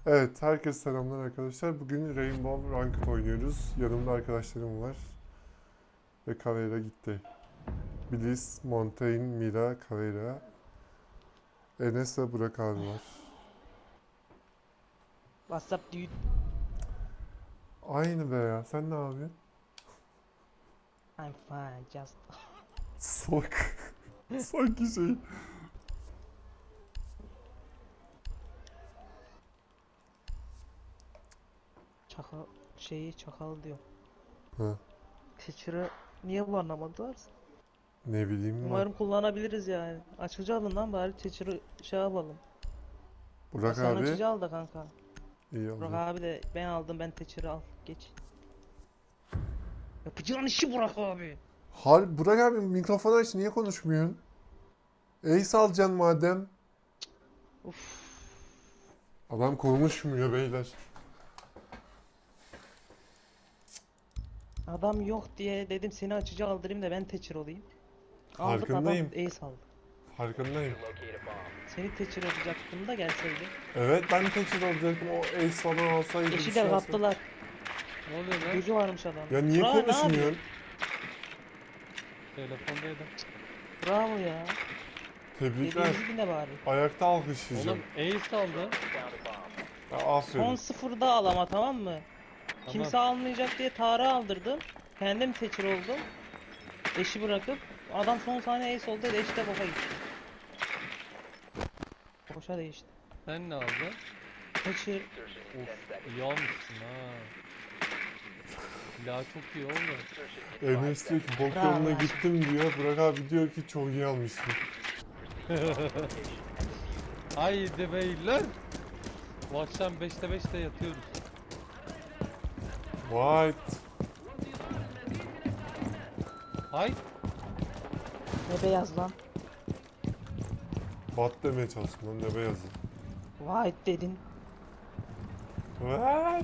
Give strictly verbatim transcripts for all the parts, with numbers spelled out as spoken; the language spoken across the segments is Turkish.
Evet, herkese selamlar arkadaşlar. Bugün Rainbow Ranked oynuyoruz. Yanımda arkadaşlarım var. Ve Caveira gitti. Bliss, Montaigne, Mira, Caveira. Enes ve Burak abi var. What's up dude? Aynı be ya. Sen ne yapıyorsun? I'm fine just. Salak. Sanki şey. Çakal şeyi çakal diyor. Ha, Teacher'ı niye bu anlamadılar? ne bileyim ben. Umarım kullanabiliriz yani. Açıcı alın lan bari Teacher'ı şey yapalım. Ya Burak sen abi. açıcı al da kanka. İyi Burak oldu. abi de ben aldım ben Teacher'ı al geç. Yapacağın işi Burak abi. Har Burak abi mikrofonu aç. Niye konuşmuyorsun? Ace alacaksın madem. Uf. Adam konuşmuyor beyler. Adam yok diye dedim seni açıcı aldırayım da ben Teacher olayım. Aldık adam Farkındayım. Ace aldı. Farkındayım. Seni Teacher yapacaktım da gelseydi. Evet, ben teçhid olacaktım. O Ace falan alsaydı. bir Eşi şey de alsaydı. kaptılar. Ne oluyor lan? Gözü varmış adam. Ya niye Burak, ne yapıyorsun? konuşmuyorsun? Telefondaydım. Bravo ya. Tebrikler. Dediğimizi dinle bari. Ayakta alkışlayacağım. Oğlum Ace aldı. Ya, aferin. Son sıfırda al ama tamam mı? Tamam. Kimse almayacak diye Tarık'ı aldırdım. Kendim teçhir oldum. Eşi bırakıp adam son saniye ace oldu dedi eşi de boka gitti. Boşa değişti. Sen ne aldın? Teçhir Of iyi almışsın ha. Silah çok iyi oldu. Enes diyor ki bok Bravo. yoluna gittim diyor. Burak abi diyor ki çok iyi almışsın. Haydi beyler. Bu akşam beşte beşte yatıyoruz. White. Hay. ne beyaz lan. Bat demeye çalıştım lan, ne beyazı. White dedin. What?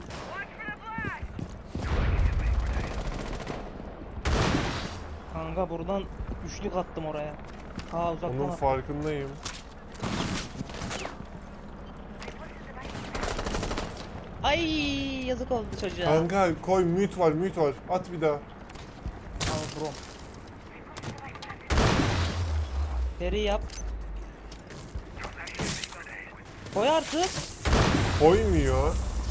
Kanka buradan üçlük attım oraya. Ha uzaktan Onun attım. farkındayım. Ay yazık oldu çocuğa. Kanka koy, mute var mute var. At bir daha. Al bro. Seri yap. Koy artık. Koymuyor.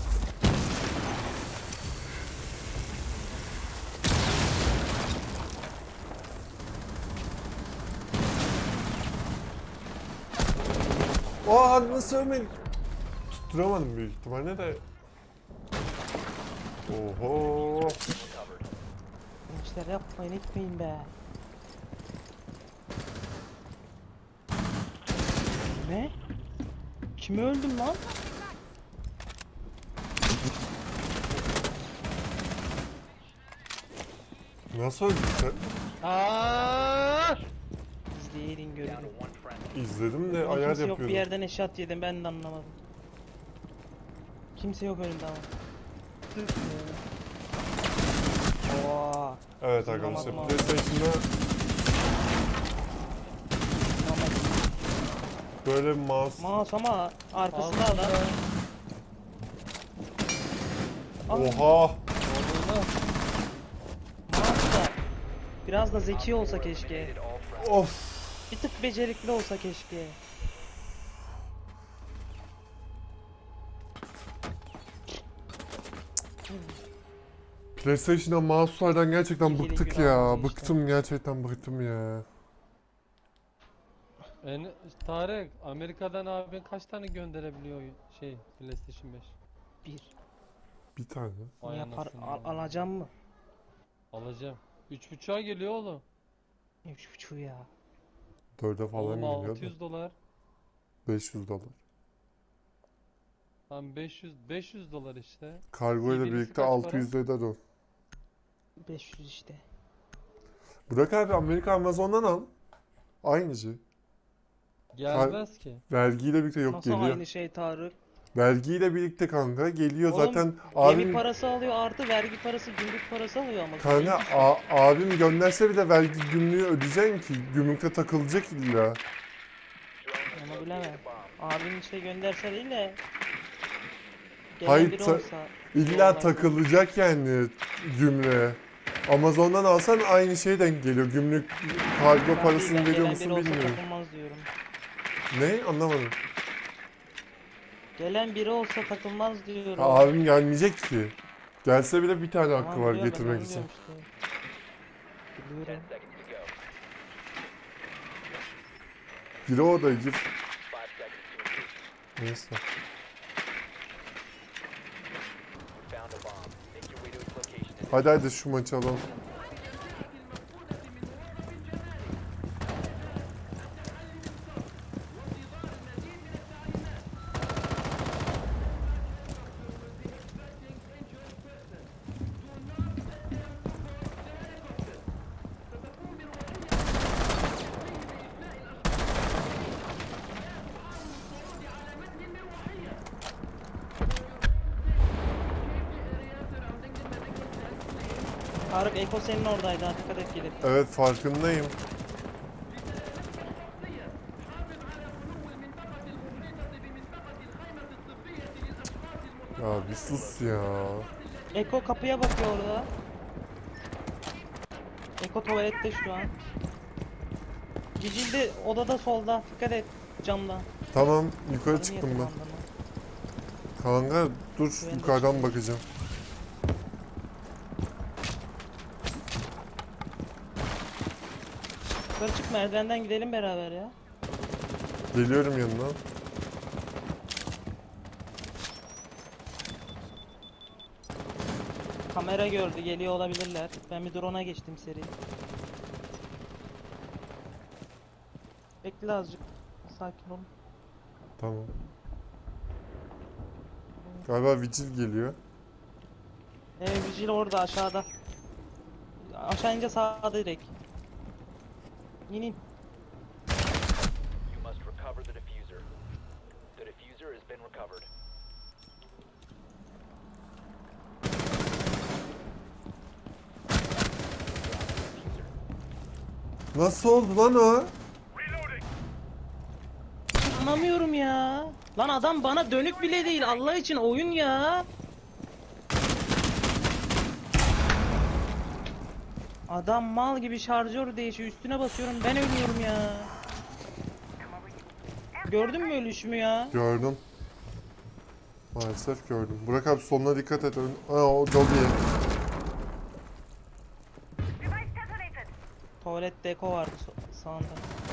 Aa, nasıl ölmedi? Tutturamadım büyük ihtimalle de. Oho. Gençler yapmayın etmeyin be. Ne? Kimi öldüm lan? Nasıl öldün sen? Aa! İzleyin görün. İzledim de Kimse ayar yok bir yapıyordum. yerden eşat yedim ben de anlamadım. Kimse yok önümde ama. Oo. Evet arkadaşlar, Tamam, tamam. PlayStation'da böyle bir mouse. Mouse ama arkasında Aldım adam. ben. Ah, Oha. Oldu lan. mouse da biraz da zeki olsa keşke. Of. Bir tık becerikli olsa keşke. PlayStation'da mouse'lardan gerçekten İlgili bıktık günah ya. oldu işte. Bıktım, gerçekten bıktım ya. En, Tarık Amerika'dan abin kaç tane gönderebiliyor şey PlayStation beş? Bir. Bir tane. Vay Yapar, anasını al, ya. alacağım mı? Alacağım. Üç buçuğa geliyor oğlum. Üç buçuğu ya. Dörde falan Oğlum geliyor altı da. yüz dolar. beş yüz dolar. Tam beş yüz beş yüz dolar işte. Kargo ile birisi birlikte kaç altı yüz para? eder o. beş yüz işte. Burak abi, Amerika Amazon'dan al. Aynıcı. Gelmez ki. Vergiyle birlikte yok Nasıl geliyor. aynı şey Tarık? Vergiyle birlikte kanka geliyor Oğlum, zaten. Gemi Abim parası alıyor artı vergi parası, gümrük parası alıyor ama. kanka a- abim gönderse bile vergi gümrüğü ödeyeceksin ki gümrükte takılacak illa. Onu bilemem. Abin işte gönderse değil de Gelen Hayır, biri ta- olsa İlla olay- takılacak yani gümrüğe. Amazon'dan alsan aynı şeye denk geliyor. Gümrük kargo Ben değil, parasını ben veriyor gelen musun biri olsa bilmiyorum. takılmaz diyorum. Ne? Anlamadım. Gelen biri olsa takılmaz diyorum. Ha, abim gelmeyecek ki. Gelse bile bir tane hakkı Tamam, var biliyorum, ben getirmek onu için. diyorum işte. Biliyorum. Gir o odaya gir. Neyse. Hadi hadi şu maçı alalım. Tarık Eko senin oradaydı, ha, dikkat et gelip. Evet, farkındayım. Ya bir sus ya. Eko kapıya bakıyor orada. Eko tuvalette şu an. Cicil de odada solda, dikkat et camda. Tamam, yukarı Adını çıktım ben. yatırmam Kanka dur, Ben de yukarıdan çıkayım. bakacağım. Yukarı çık, merdivenden gidelim beraber ya. Geliyorum yanına. Kamera gördü, geliyor olabilirler. Ben bir drone'a geçtim seri. Bekle azıcık. Sakin ol. Tamam. Galiba Vigil geliyor. Ee, Vigil orada aşağıda. Aşağı ince sağda direkt. İn in. You must recover the diffuser. The diffuser has been recovered. Nasıl oldu lan o? Anlamıyorum ya. Lan adam bana dönük bile değil, Allah için oyun ya. Adam mal gibi şarjör değişiyor, üstüne basıyorum, ben ölüyorum ya. Gördün mü ölüşümü ya? Gördüm. Maalesef gördüm. Burak abi soluna dikkat et. Ön... Aa, o Dobby'ye. Tuvalette Eko vardı so- sağında.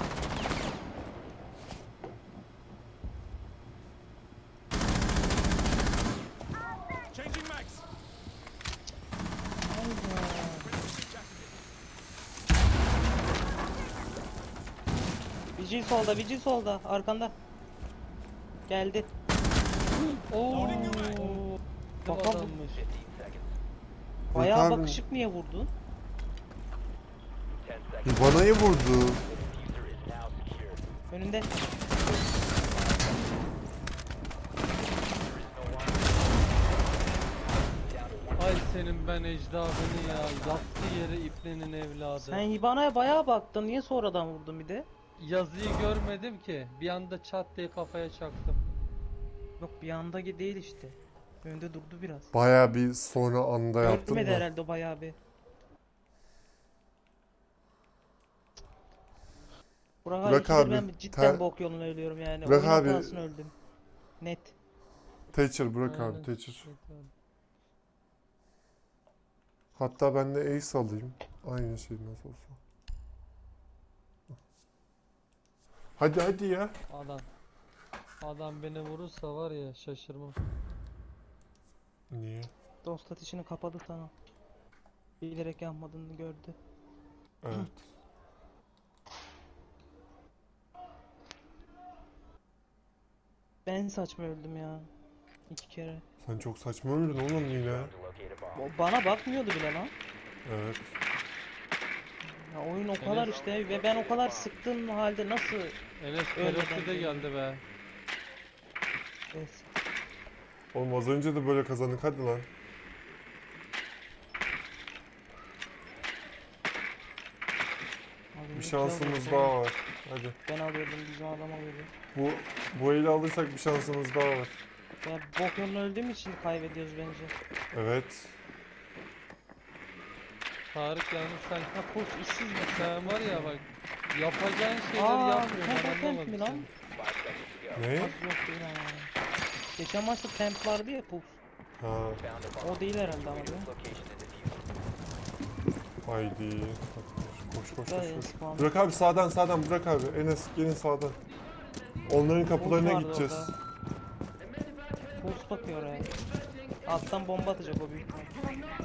Vigil solda, Vigil solda, arkanda. Geldi. Oo. Bak, Bak bak. adammış. fifteen seconds. Bayağı abi. bakışık niye vurdun? ten seconds. Vanayı vurdu. The diffuser is now secured. Önünde. There is no longer. Down to one. Ay senin ben ecdadını ya. Yattığı yere iplenin evladı. Sen Hibana'ya bayağı baktın. Niye sonradan vurdun bir de? Yazıyı görmedim ki. Bir anda çat diye kafaya çaktım. Yok, bir anda gi- değil işte. Önde durdu biraz. Baya bir sonra anda yaptım Görmedi da. herhalde o bayağı bir. Burak, Burak abi, abi, ben cidden ter- bok yoluna ölüyorum yani. Burak Oyun abi- hatasına öldüm. Net. Thatcher Burak Aynen. abi, Thatcher. Hatta ben de Ace alayım. Aynı şey nasıl olsa. Hadi hadi ya. Adam. Adam beni vurursa var ya şaşırmam. Niye? Dost ateşini kapadı sana. Bilerek yapmadığını gördü. Evet. Ben saçma öldüm ya. İki kere. Sen çok saçma öldün oğlum yine. To locate a bomb. O bana bakmıyordu bile lan. Evet. Ya oyun o kadar işte ve ben o kadar sıktığım halde nasıl Enes Öyle teröristü de bence. geldi be. es- Oğlum az önce de böyle kazandık, hadi lan. Abi, Bir ne şansımız güzel daha oldu. var. Hadi. Ben alıyordum, bizim adam alıyordu. Bu bu eli alırsak bir şansımız daha var. Ya bok yolunu öldüğüm için kaybediyoruz bence. Evet. Tarık yalnız sen ha koç işsiz mi? Sen var ya bak yapacağın şeyleri Aa, yapmıyorsun tempo ben temp anlamadım mi lan? seni. Five seconds to go. Ne? Az yok değil ha. Geçen maçta temp vardı ya Puls. Ha, Found a bomb. O değil herhalde ama Way to değil mi? its location and defuse it. haydi. Koş koş koş Dayı, koş. spam. Burak abi sağdan sağdan Burak abi. Enes gelin sağdan. Onların kapılarına vardı gideceğiz. orada. Puls bakıyor oraya. Alttan bomba atacak o büyük ihtimal.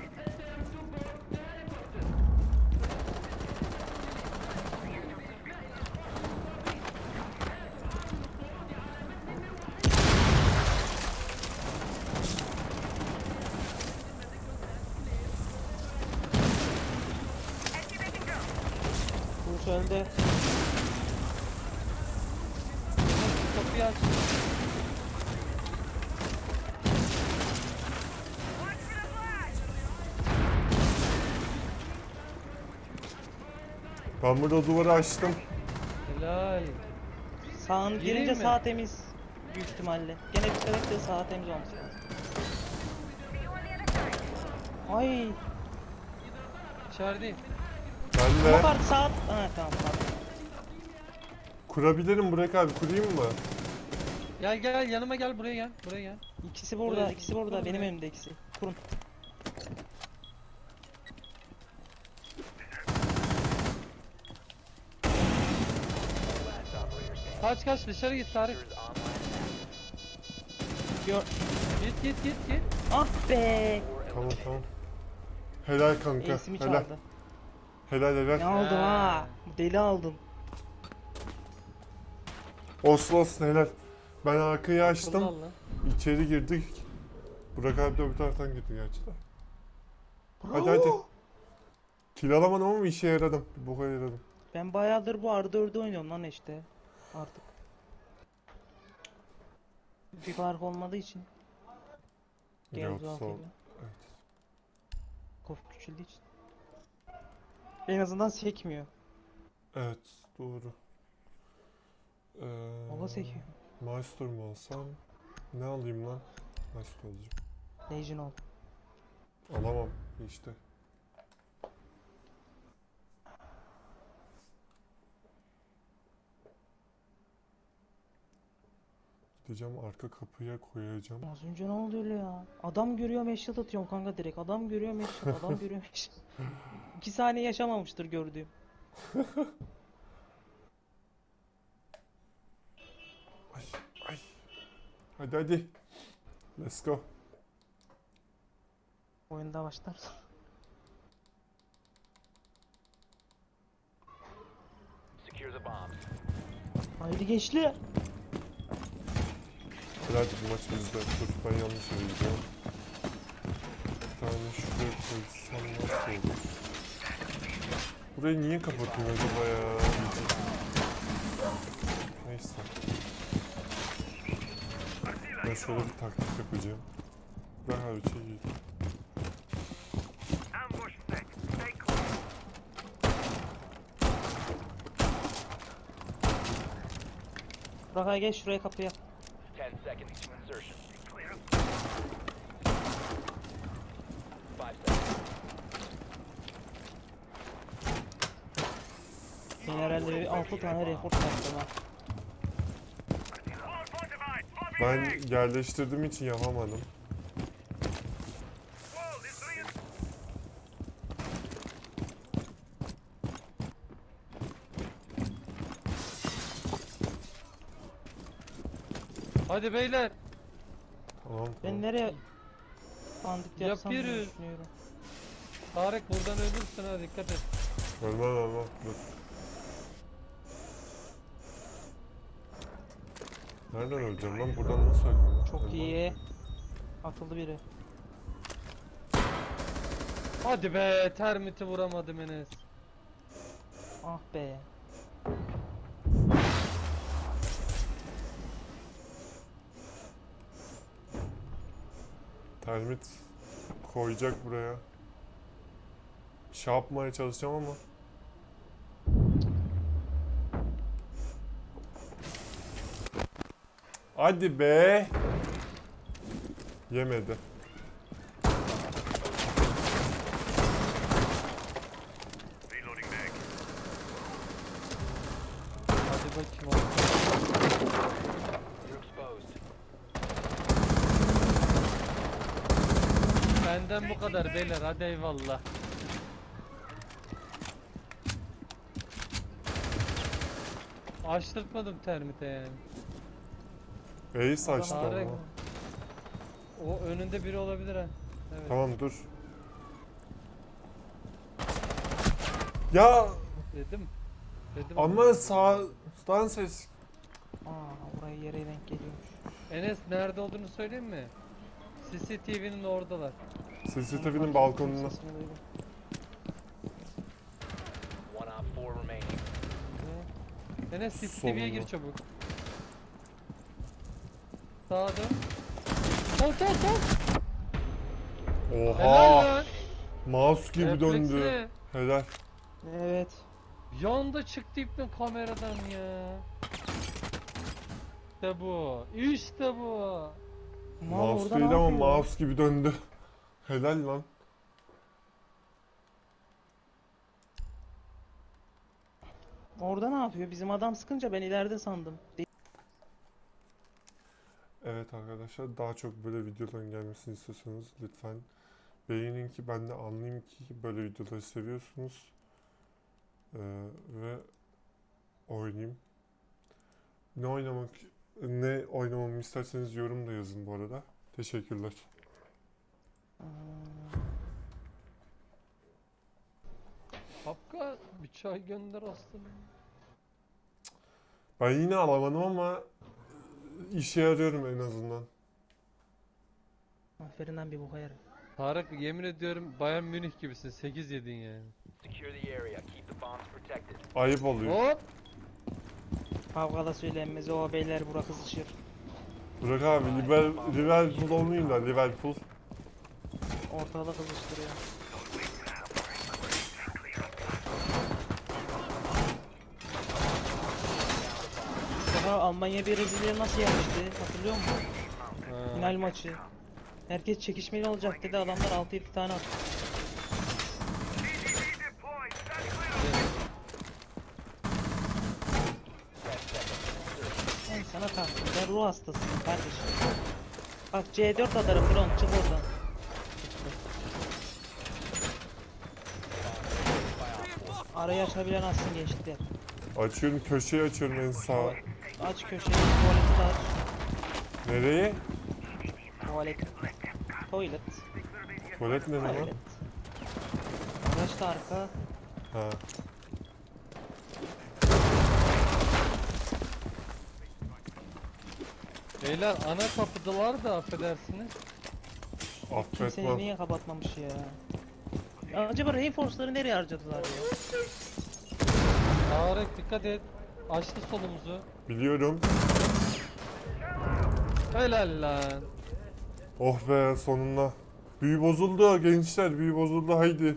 Puls öldü. Kapıyı aç. Ben burada duvarı açtım. Helal. Sağın Gireyim girince mi? sağ temiz. Büyük ihtimalle. Gene bir sebep de sağ temiz olması lazım. Ay. İçerideyim. Ben Ama de kart sağ. Ha tamam tamam. kurabilirim Burak abi. Kurayım mı? Gel gel yanıma gel buraya gel. Buraya gel. İkisi burada, Buraya- ikisi burada. buraya. Benim elimde ikisi. Kurun. Last operator standing. Kaç kaç dışarı git Tarık. Diffuser is online. Gör. Git git git git. Ah be. Four Tamam eliminated. tamam. Helal kanka. Ace'imi Helal. çaldı. Helal Ne helal. aldın ha? Ha. Deli aldın. Olsun olsun helal. Ben arkayı açtım. Kullan lan. İçeri girdik. Burak abi de öbür taraftan girdi gerçi de. Hadi hadi. Kill alamadım ama işe yaradım. Bir boka yaradım. Ben bayağıdır bu R dördü oynuyorum lan işte. Artık. Bir fark olmadığı için. Gel Yok, uzak sol. geliyor. Evet. Kof küçüldüğü için. En azından sekmiyor. Evet doğru. Ee, Baba sekiyor. Maestro mu alsam? Ne alayım lan? Maestro alacağım. Legion ol. Alamam işte. Gideceğim arka kapıya koyacağım. Az önce ne oldu öyle ya? Adam görüyor headshot atıyorum kanka direkt. Adam görüyor headshot, adam görüyor headshot. İki saniye yaşamamıştır gördüğüm. Ay ay. Hadi hadi. Let's go. Oyunda başlar. Secure the bombs. Haydi gençler. Hadi bu maç bizde. Dur ben yanlış yere gidiyorum. Bir tane şuraya koysam nasıl olur? Burayı niye kapatıyor acaba ya? Neyse. Ben şöyle bir taktik yapacağım. Ben her şey iyi. Burak'a gel şuraya kapıya. Ten seconds to insertion. Five seconds. Ben herhalde bir altı tane rekord yaptım ha. Ben yerleştirdiğim için yapamadım. Hadi beyler. Tamam Ben tamam. nereye bandit yapsam diye Yapıyoruz. düşünüyorum. Tarık buradan ölürsün ha dikkat et. Ölmem ölmem. Dur. Nereden öleceğim lan? Buradan nasıl öleceğim lan? Çok Ölmem iyi. ki. Atıldı biri. Hadi be termiti vuramadım Enes. Ah be. Termit koyacak buraya. Şey yapmaya çalışacağım ama. Hadi be. Yemedi. Hadi bakayım oğlum. You're exposed. Benden bu kadar beyler, hadi eyvallah. Açtırtmadım termite yani. Ace açtı Tarık. ama. O önünde biri olabilir ha. Evet. Tamam dur. Ya Dedim. Dedim. ama sağdan ses. Aa, oraya yere denk geliyormuş. Enes nerede olduğunu söyleyeyim mi? C C T V'nin oradalar. C C T Onu V'nin fark balkonuna. ettim, sesini duydum. One op four remaining. Ne? Enes C C T V'ye gir Solunda. çabuk. Sağa dön. Sol sol sol. Helal Oha! lan. Mouse gibi döndü. Refleksi. Helal. Evet. Yanda çıktı ipten kameradan ya. İşte bu. İşte bu. Mal Mouse orada değil ne ama yapıyor? mouse gibi döndü. Helal lan. Orada ne yapıyor? Bizim adam sıkınca ben ileride sandım. Evet arkadaşlar, daha çok böyle videoların gelmesini istiyorsanız lütfen beğenin ki ben de anlayayım ki böyle videoları seviyorsunuz. Ee, ve oynayayım. Ne oynamak ne oynamamı isterseniz yorumda yazın bu arada. Teşekkürler. Kapka bir çay gönder aslında. Ben yine alamadım ama işe yarıyorum en azından. Aferin lan bir boka yarar. Tarık yemin ediyorum Bayern Münih gibisin. sekiz yedin yani. Secure the area. Keep the bombs protected. Ayıp oluyor. Hop. Kavgada söylenmez. O beyler bura kızışır. Bırak abi Liver, Liverpool olmayayım da Liverpool. Ortalığı kızıştırıyor. Daha Almanya bir Brezilya'yı nasıl yenmişti? Hatırlıyor musun? Ha. Final maçı. Herkes çekişmeli olacak dedi. Adamlar altı yedi tane attı. Ben sana kalktım. Ben ruh hastasıyım kardeşim. Bak C dört atarım Bron. Çık oradan. Arayı açabilen açsın gençler. Açıyorum, köşeyi açıyorum en sağ. Aç köşeyi. Tuvaleti de aç. Nereye? Tuvalet. Toilet. Tuvalet ne lan? Tuvalet. Araç da arka. Ha. Beyler ana kapıdalar da affedersiniz. Kimseyi Affetmem. niye kapatmamış ya? Ya acaba Reinforce'ları nereye harcadılar ya? Tarık dikkat et. Açtı solumuzu. Biliyorum. Helal lan. Oh be sonunda. Büyü bozuldu gençler, büyü bozuldu haydi.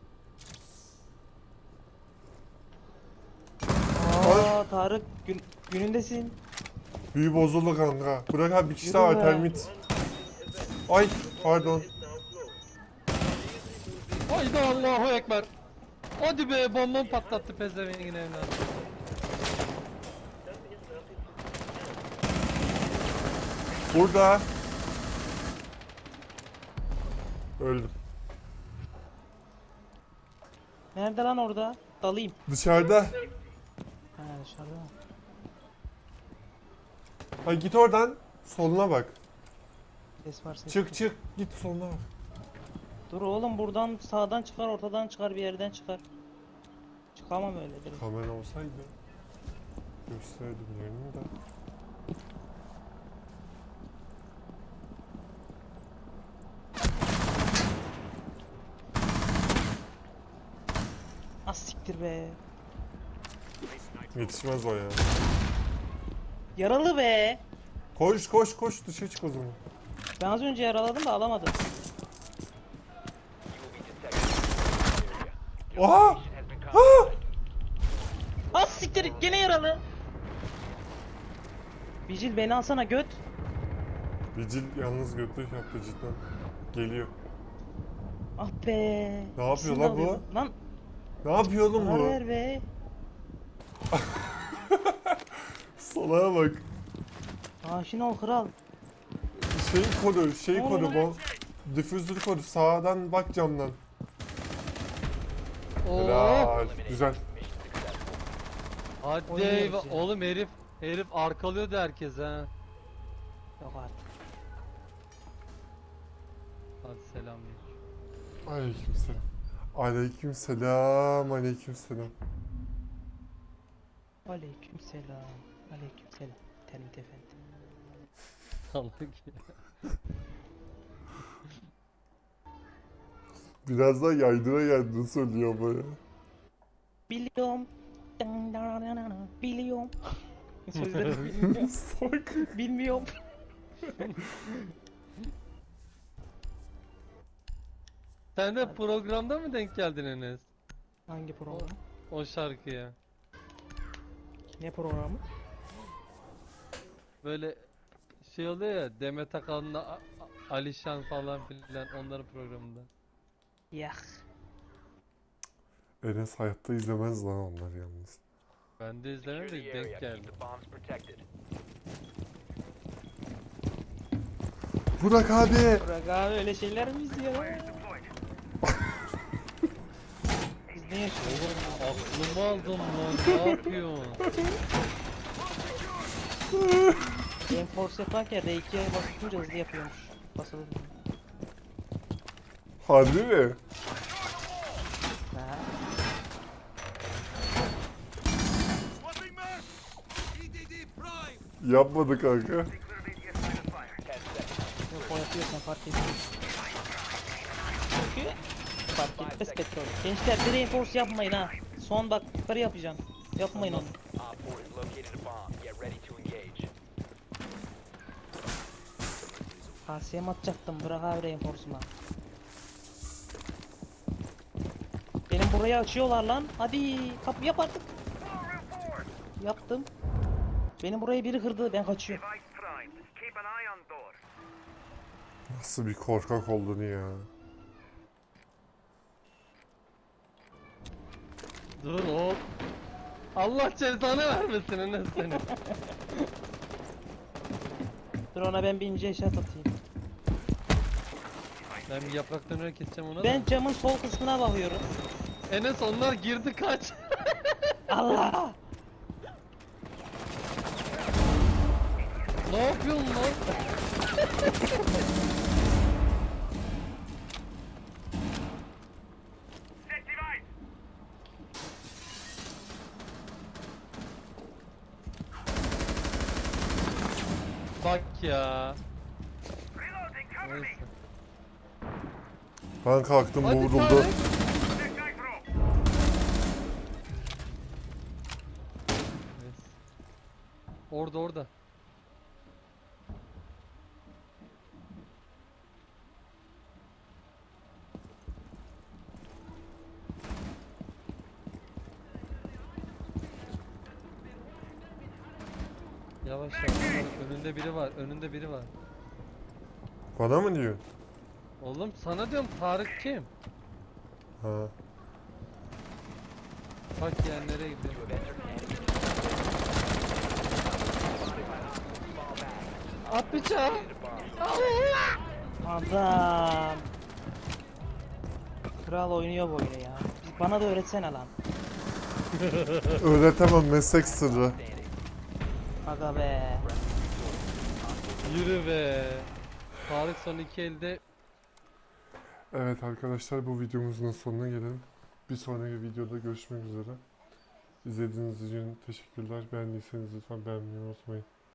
Aa Tarık gün, günündesin. Büyü bozuldu kanka. Bırak abi bir kişi Yürü daha var be. termit. Ay pardon. Haydi Allahu Ekber. Hadi be bombam patlattı pezevengin evladı. Burada. Öldüm. Nerede lan orada? Dalayım. Dışarıda. Ha dışarıda mı? Ay git oradan. Soluna bak. Ses var ses. Çık çık git soluna bak. Dur oğlum buradan sağdan çıkar ortadan çıkar bir yerden çıkar. Çıkamam öyle direkt. Kamera olsaydı gösterdim yerini de. Az siktir be. Yetişmez o ya. Yaralı be. Koş koş koş dışarı çık o zaman. Ben az önce yaraladım da alamadım. You will be detected in the area. Your Oha! location has been compromised. Az siktir gene yaralı. Vigil beni alsana göt. Vigil yalnız götlük yaptı cidden. Geliyor. Ah be. Ne yapıyor İkisini de lan bu? alıyordum. Lan Ne yapıyor oğlum zarar bu? ver be. Salağa bak. Aşina ol kral. Şeyi koru, şey Ne koru oluyor bu. Difüzörü koru. Sağdan bak camdan. Oo. Helal. Güzel. Mission successful. Hadi Oynuyoruz eyvah. ya. Oğlum herif herif arkalıyordu herkes ha. Yok artık. Hadi selam. Aleykümselam. Aleykümselam. Aleykümselam. Aleyküm selam. Aleyküm selam. Termit efendi. Salak ya. Biraz daha yaydıra yaydığını söylüyor bu ya. Biliyorum. Dan dan dan dan dan. Biliyorum. Sözlerini bilmiyorum. Salak. Bilmiyorum. Sen de programda mı denk geldin Enes? Hangi program? O şarkıya. Ne programı? Böyle şey oluyor ya, Demet Akalın'la A- A- Alişan falan filan onların programında. Yak. Enes hayatta izlemez lan onları yalnız. Ben de Secure izlemedim the denk area. Keep geldim. the bombs protected. Burak abi. Burak abi öyle şeyler mi izliyor? Biz ne yaşıyoruz? Aklımı aldın lan, ne yapıyorsun? Reinforce yaparken R ikiye basınca hızlı yapıyormuş. Basılı. Harbi mi? Ha. Yapmadı kanka. Ten seconds. Yok o yapıyorsan fark etmez. Çünkü fark etmez petrol. Gençler bir reinforce yapmayın ha. Son bak yukarı yapacağım. Yapmayın onu. Op four has located a bomb. Get ready to engage. K S'ye mi atacaktım? Bırak abi reinforce'uma. Benim burayı açıyorlar lan. Hadi kapı yap artık. Yaptım. Benim burayı biri kırdı. Ben kaçıyorum. Nasıl bir korkak oldun ya. Dur hop. Allah cezanı vermesin Enes seni. Dur ona ben bir ince eşat atayım. Ben bir yapraktan öyle keseceğim ona Ben da. camın sol kısmına bakıyorum. Enes onlar girdi kaç. Allah! Ne yapıyorsun lan? Bak ya. Neyse. Ben kalktım bu Hadi vuruldu. Tarık. Neyse. Orada orada. Yavaş yavaş. Önünde biri var. Önünde biri var. Bana mı diyor? Oğlum sana diyorum, Tarık kim? Ha. Bak ya nereye gidiyor? You have entered an enemy. At bıçağı. Located a bomb. Adam! Kral oynuyor bu oyunu ya. Bana da öğretsene lan. Öğretemem, meslek sırrı. Standing. Aga be. Yürü be. Tarık son iki elde. Evet arkadaşlar, bu videomuzun da sonuna gelelim. Bir sonraki videoda görüşmek üzere. İzlediğiniz için teşekkürler. Beğendiyseniz lütfen beğenmeyi unutmayın.